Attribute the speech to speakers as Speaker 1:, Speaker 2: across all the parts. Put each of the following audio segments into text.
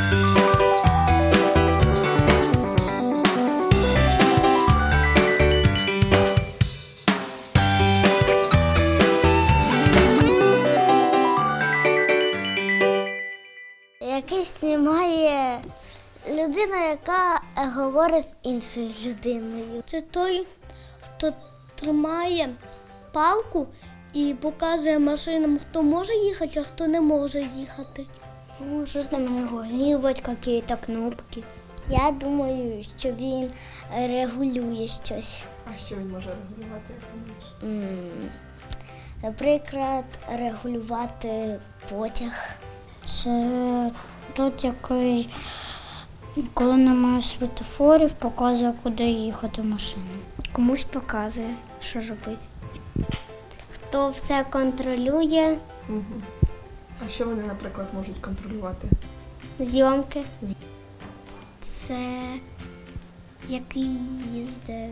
Speaker 1: Який знімає людина, яка говорить з іншою людиною.
Speaker 2: Це той, хто тримає палку і показує машинам, хто може їхати, а хто не може їхати.
Speaker 1: Ну, що там регулювати, якісь кнопки. Я думаю, що він регулює щось.
Speaker 3: А що він може регулювати, як ти думаєш?
Speaker 1: Наприклад, регулювати потяг.
Speaker 4: Це тот, який, коли немає світофорів, показує, куди їхати машина.
Speaker 1: Комусь показує, що робити. Хто все контролює,
Speaker 3: Угу. А що вони, наприклад, можуть контролювати?
Speaker 1: зйомки. Це який їздить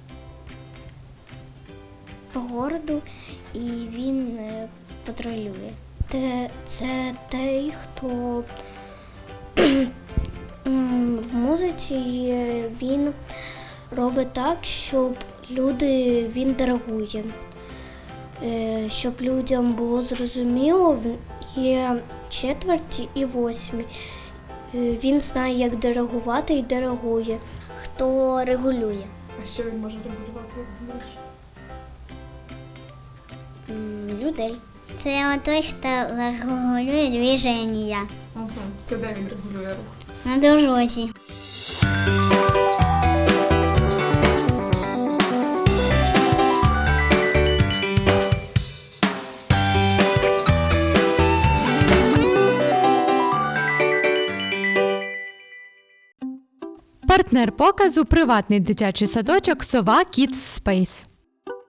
Speaker 1: по городу і він патрулює.
Speaker 4: Це той, хто в музиці він робить так, щоб він диригує. Щоб людям було зрозуміло, є четверті і восьмі. Він знає, як диригувати і диригує.
Speaker 1: Хто регулює?
Speaker 3: А що він може регулювати, як думаєш?
Speaker 1: Людей.
Speaker 4: Це той, хто регулює движення
Speaker 3: Угу. Це де він регулює рух?
Speaker 4: на дорозі.
Speaker 5: Партнер показу – приватний дитячий садочок «Сова Kids Space».